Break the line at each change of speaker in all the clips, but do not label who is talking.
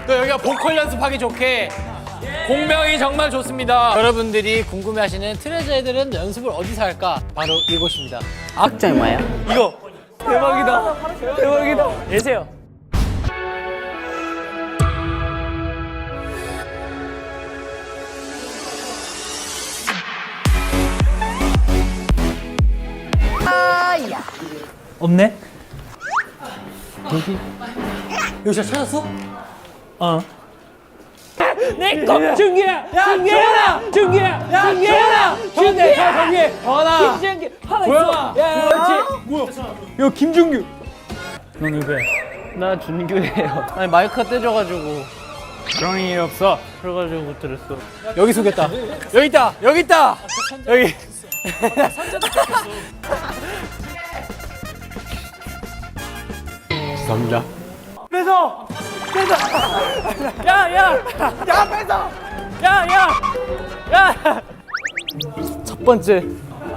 또 여기가 보컬 연습하기 좋게 공명이 정말 좋습니다. 여러분들이 궁금해하시는 트레저 애들은 연습을 어디서 할까? 바로 이곳입니다.
악장이 뭐야?
이거 대박이다. 대박이다. 예세요.
없네?
여기 진짜 찾았어?
어.
내꺼 준기야! 준기야! 준기야! 준기야! 준기야! 정기! 전화! 김준기! 보영아! 야, 그렇지! 뭐야? 야, 김준규!
넌 누구야?
나 준규예요.
아니, 마이크가 떼져가지고.
그런 일 없어. 그래가지고 못 들었어.
여기 속였다. 여기 있다! 여기 있다! 여기. 죄송합니다. 뺏어! 뺏어! 야, 야! 야, 뺏어! 야, 야! 야! 첫 번째.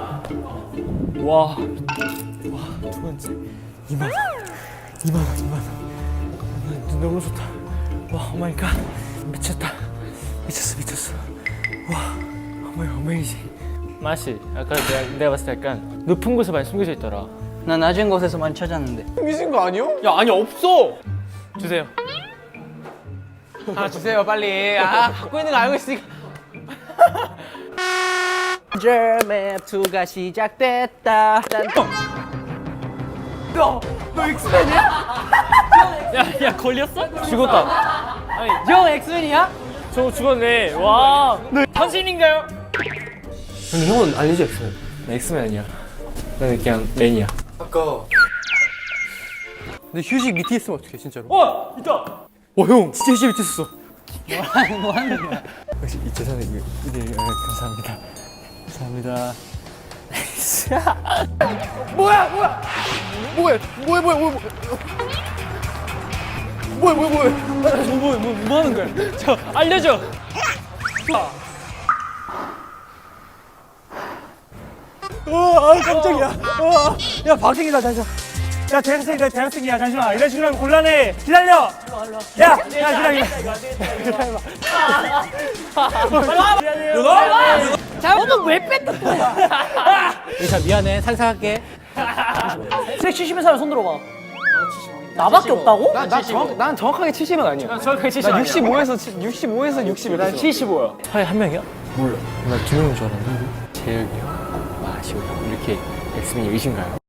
와. 두 번째. 2만 원. 2만 원, 2만 원. 너무 좋다. 와, 오 마이 갓. 미쳤다. 미쳤어. 와, 어메이징.
맛이 아까 내가 봤을 때 약간 높은 곳에 많이 숨겨져 있더라.
나 낮은 곳에서 많이 찾았는데.
미신 거 아니요? 야, 아니, 없어!
주세요.
하나 주세요, 빨리. 아, 갖고 있는 거 알고 있으니까.
맵 2가 시작됐다.
너 엑스맨이야?
야 걸렸어?
죽었다.
아니
형 엑스맨이야?
저 죽었네. 와.
현신인가요? 근데 형은 아니지, 엑스맨.
나 엑스맨 아니야. 나는 그냥 맨이야.
아까. 근데 휴식 밑에 있으면 어떡해, 진짜로?
어 있다.
와, 형, 진짜 휴식 밑에 있었어.
뭐 하는 거야?
역시 이 재산에 이들 감사합니다. 감사합니다. 뭐야?
뭐 하는 거야? 저 알려줘.
깜짝이야. 야, 박생이다, 잠시만. 야, 대학생이야, 잠시만. 이런 식으로 하면 곤란해. 기다려. 야, 기다려.
자, 오늘 왜 뺐다?
자, 미안해. 살살할게.
170의 사람 손 들어봐. 나밖에 없다고?
난 정확하게 70은 아니야.
정확하게 70 아니야.
65에서 60. 난
75야.
차에 한 명이야? 몰라. 나 두 명인 줄 알았는데. 재혁이 형, 마시오 형. 이렇게 엑스맨이 의신가요?